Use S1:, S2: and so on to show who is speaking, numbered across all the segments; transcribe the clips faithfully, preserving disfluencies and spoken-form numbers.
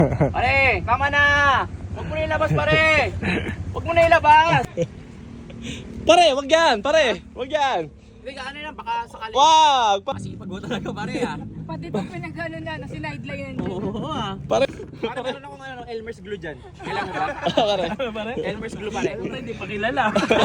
S1: Pare, tama na! Huwag mo na ilabas, pare! Huwag mo na ilabas!
S2: Pare, wag yan, pare! Wag yan!
S1: Hindi ka ano yan, baka sakali.
S2: Wag! Pa-
S1: Masipag mo talaga, pare ah.
S3: Pati ito pinag-ano na, na sinideline yan.
S1: Oo ah.
S2: pare!
S1: Pare, meron ako ngayon ng Elmer's glue dyan. Kailan mo ba?
S2: pare!
S1: Elmer's glue, pare.
S4: Hindi pa kilala.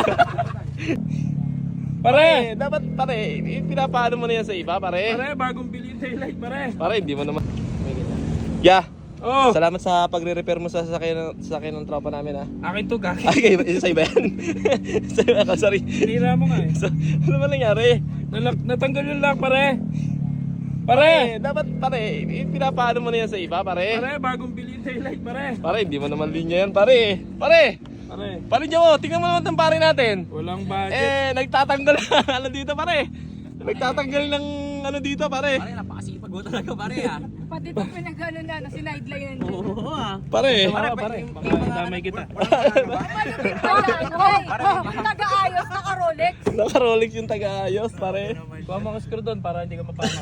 S2: Pare! Dapat, pare, pinapaano mo na yan sa iba, pare?
S4: Pare, bagong bili yung taillight, pare.
S2: Pare, hindi mo naman. Yeah!
S4: Oh,
S2: Salamat sa pagre-repair mo sa sasakyan ng, sasakyan ng tropa namin, ha?
S4: akin to, gaki.
S2: Ay, kayo, isa iba yan? Sa iba ka, sorry.
S4: Tinira mo nga eh.
S2: So, ano ba nangyari?
S4: Nalak, natanggal yung lock, pare.
S2: Pare,
S4: Pare,
S2: dapat, pare, pinapaano mo na yan sa iba, pare?
S4: pare, bagong bili yung taillight, pare.
S2: Pare, hindi mo naman linya yan, pare. Pare!
S4: Pare,
S2: Pare Joe, tingnan mo naman ng pare natin.
S4: walang budget.
S2: Eh, nagtatanggal ng ano dito, pare. Nagtatanggal ng ano dito, pare.
S1: Pare, napakasipag mo talaga, pare ah.
S3: Pati ito pinag-ano na, na sinideline yan.
S1: Oo ah.
S2: Pare.
S4: Pare,
S1: Pare,
S4: pare,
S1: yung-
S4: baka
S1: yung mga-
S4: damay kita.
S3: Nag-aayos, naka-Rolex.
S2: Naka-Rolex yung taga-ayos, pare.
S4: Kuha mo ang screw doon para hindi ka mapama.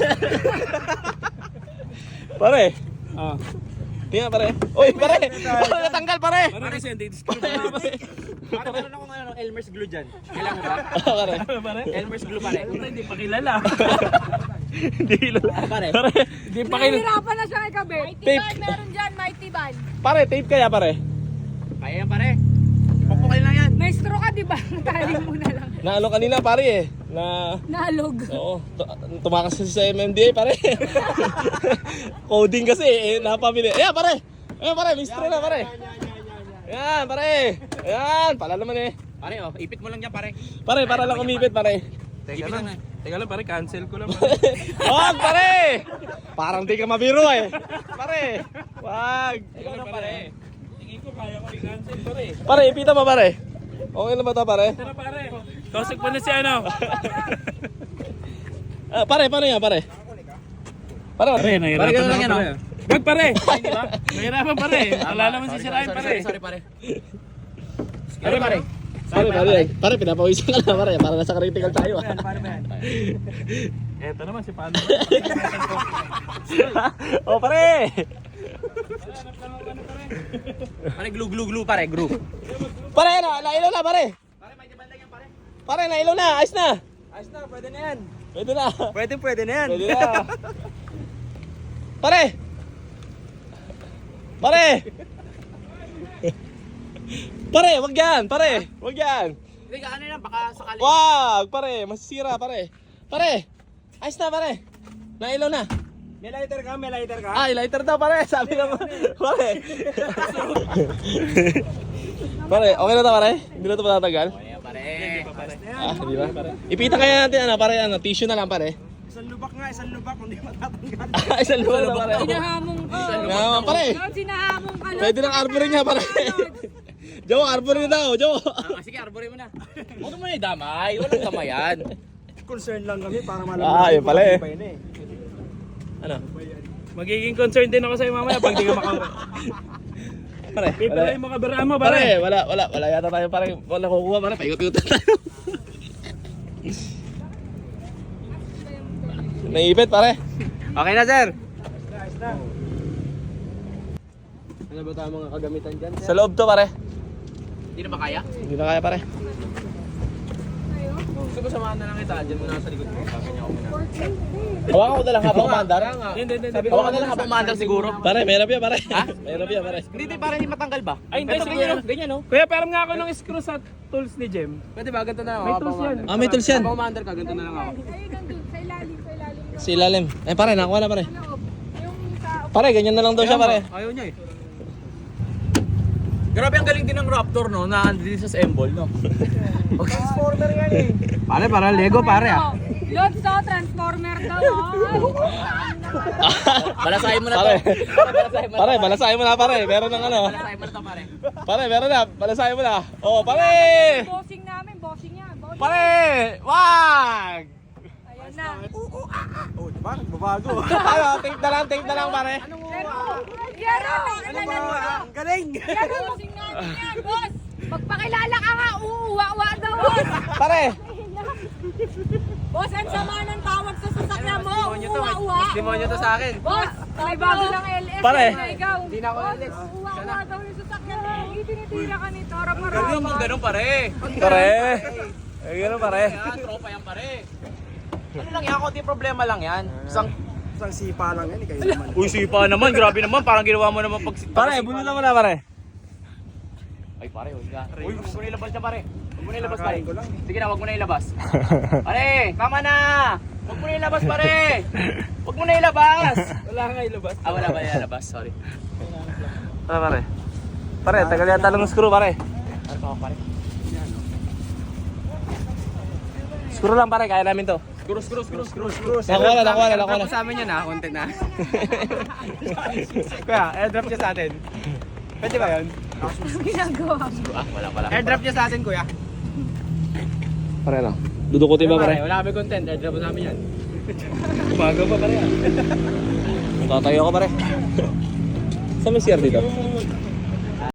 S2: Pare.
S4: Ah,
S2: Tingnan, pare. Uy, pare. Pare, natanggal, pare.
S4: pare kasi hindi screw.
S1: Pare, meron ako ngayon ng Elmer's glue dyan. Kailan mo ba?
S2: Pare.
S4: Pare,
S1: Elmer's glue, pare.
S4: hindi pa kilala.
S2: Hindi kilala.
S1: Pare.
S2: Pare.
S4: Hindi pa kilala.
S3: Nahihirapan na siya kay Kabit. Mighty
S2: Tape.
S3: Van, meron dyan, Mighty Van.
S2: Pare, tape kaya, pare.
S1: Kaya yan, pare. Pupukay lang yan.
S3: May straw ka, di ba? Tali mo na lang.
S2: Na ano kanina, pare eh. Na,
S3: Nalog.
S2: oo, tu- tumakas kasi sa M M D A, pare. Coding kasi eh, napamili. Ayan, pare. Ayan, pare, mistro na, pare. Ayan, pare. Ayan, pala naman eh.
S1: Pare, oh, ipit mo lang yan, pare.
S2: Pare, para lang umipit, pare.
S4: Teka
S1: Ipit lang
S4: lang.
S1: eh.
S4: Teka lang, pare, cancel ko lang. Pare.
S2: Wag, pare! Parang di ka mabiro eh. Pare, wag.
S4: Teka lang, pare. Tingin ko kaya ko i-cancel, pare.
S2: Pare, ipita mo, pare. Okay na ba ito, pare?
S4: Tara, pare. Tosik mo na si ano.
S2: Ah, pare, paano yan, pare? Pare,
S4: Pare, nahirapan
S1: Pare, ganun lang
S4: ako,
S1: yan,
S4: pare. Wag, pare. Nahirapan, pare. Wala naman si Sirain, pare.
S1: Sorry, sorry, pare. Sorry, pare.
S2: Pare, pare, pare, pinapawisan ka na, pare. Para nasa critical tayo. ah.
S1: Paano ba yan?
S4: Eto naman si Pano.
S2: Oh, pare!
S1: Pare, glue, glue, glue, pare, glue.
S2: Pare, na, nailaw na, pare.
S1: Pare, may diban lang yan, pare.
S2: Pare, nailaw na, ayos na.
S1: Ayos na, pwede na yan.
S2: Pwede na.
S1: Pwede, pwede na yan.
S2: Pwede na. Pare! Pare! Pare, wag yan, pare. Wag yan.
S1: Hindi ka ano yan, baka sakali.
S2: Wag, pare, masisira, pare. Pare, ayos na, pare. Nailaw na.
S4: May lighter ka, may lighter ka.
S2: Ay, lighter daw, pare. Sabi naman, pare. Pare, okay na to, pare? Hindi na to matatagal?
S1: Ayan, pare.
S2: Ah, di ba? Ipita kaya natin, ano, pare, ano, tissue na lang, pare.
S4: Isang lubak nga, isang lubak, hindi matatanggal.
S2: Ah, isang lupa na, pare.
S3: Sinahamong ka.
S2: Naman, pare.
S3: Lord, sinahamong ka. Lord.
S2: Pwede ng arborin niya, pare. Joe, arborin na daw, Joe.
S1: Ah, sige, arborin mo na. Huwag mo na idamay. Walang damayan.
S4: Concern lang kami para malaman.
S2: Ah, yun pala eh. Ano?
S4: Magiging concern din ako sa'yo mamaya pag di ka makawa.
S2: Pare,
S4: Pipila
S2: wala.
S4: yung mga biraan mo,
S2: Pare,
S4: pare.
S2: wala, wala, wala yata tayo, pare. Wala kukuha, pare. Paikot-ikot tayo. Naipit, pare.
S1: Okay na, sir.
S4: Ano ba tayong mga kagamitan dyan?
S2: Sa loob to, pare.
S1: Hindi na ba kaya?
S2: Hindi na kaya, pare.
S1: Gusto ko samahan na lang kita. Diyan mo na sa likod ko. Sabi niya ako muna.
S2: Hawakan ko na lang habang mandar.
S4: Hindi, hindi, hindi.
S1: Hawakan na lang habang maandar siguro.
S2: Pare, mayroon yan, pare. Ha? Mayroon yan, pare.
S1: Hindi, hindi, para hindi matanggal ba?
S4: Ay, hindi,
S1: Ito,
S4: siguro.
S1: ganyan, no? Ganyan, no?
S4: Kuya, parang nga ako ng screw sa tools ni Jem.
S1: Pwede ba? Ganito na ako.
S4: May tools yan.
S2: Ah, may tools yan.
S1: Habang maandar ka, ganito na lang ako.
S3: Ayun, nandun, sa ilalim, sa ilalim.
S2: Si ilalim. Eh, pare, nakuha na, pare.
S3: Loob. Yung sa...
S2: Pare, ganyan na lang daw siya, pare.
S1: Ayaw niya eh. Grabe ang galing din ng Raptor, no? Na andin sa Embol, no? Transformer yan eh. Pare, para Lego, pare ah.
S3: Lord, so, transformer daw, oh.
S1: Balasahin mo na to.
S2: Pare.
S1: Balasahin mo na.
S2: Pare, balasahin mo na, pare. Meron ng ano.
S1: Balasahin mo na to, pare.
S2: Pare, meron na. Balasahin mo na. Oh, pare!
S3: Bossing namin, bossing yan. Bossing.
S2: Pare! Wag!
S3: Ayan na.
S4: Oh, diba? Nagbabago.
S2: Ano, tape na lang, tape na lang, pare.
S3: Pero, Yero, ano na
S4: Ang galing!
S3: Yero, bossing namin yan, boss. Magpakilala ka nga, uuwa-uwa daw, boss.
S2: Pare!
S3: Boss, ang sama ng tawag sa sasakyan mo. Uwa-uwa.
S1: Demonyo to sa akin.
S3: Boss, may bago ng L S.
S2: Pare.
S3: na ikaw.
S1: Hindi na ako alis.
S3: Uwa-uwa daw yung sasakyan mo. Itinitira ka nito. Harap-harap.
S1: Ganun mo, ganun pare.
S2: Pare. Eh, gano'n pare.
S1: Yan, tropa yan pare. Ano lang yan, konti problema lang yan. Isang
S5: Isang sipa lang yan, eh, kayo naman.
S1: Uy, sipa naman. Grabe naman. Parang ginawa mo naman pag...
S2: Pare, bunutan mo na pare.
S1: Ay, pare, huwag ka. Uy, huwag mo na ilabas niya, pare. Huwag mo na ilabas, pare.
S5: Kakain ko lang, eh.
S1: Sige na, huwag mo na ilabas. Pare, tama na. Huwag mo na ilabas, pare. Huwag mo na ilabas.
S5: Wala nga ilabas.
S1: Ah, wala ba ilabas? Sorry.
S2: Pare, pare. Pare, tagal yata ng screw pare.
S1: Ano pa ako, pare?
S2: Screw lang pare, kaya namin to.
S1: Screw, screw, screw, screw, screw.
S2: Nakuha na, nakuha na, nakuha na.
S1: Sa amin yun ha, content na. Kuya, airdrop niya sa atin. Pwede ba yun?
S3: Ginagawa.
S1: Ah, wala pala.
S5: Airdrop niya sa atin, kuya.
S2: Pare lang. Dudukutin ba pare?
S1: Wala kami content, airdrop sa amin yan. Umaga pa pare yan.
S2: Tatayo ako pare. Saan may C R dito?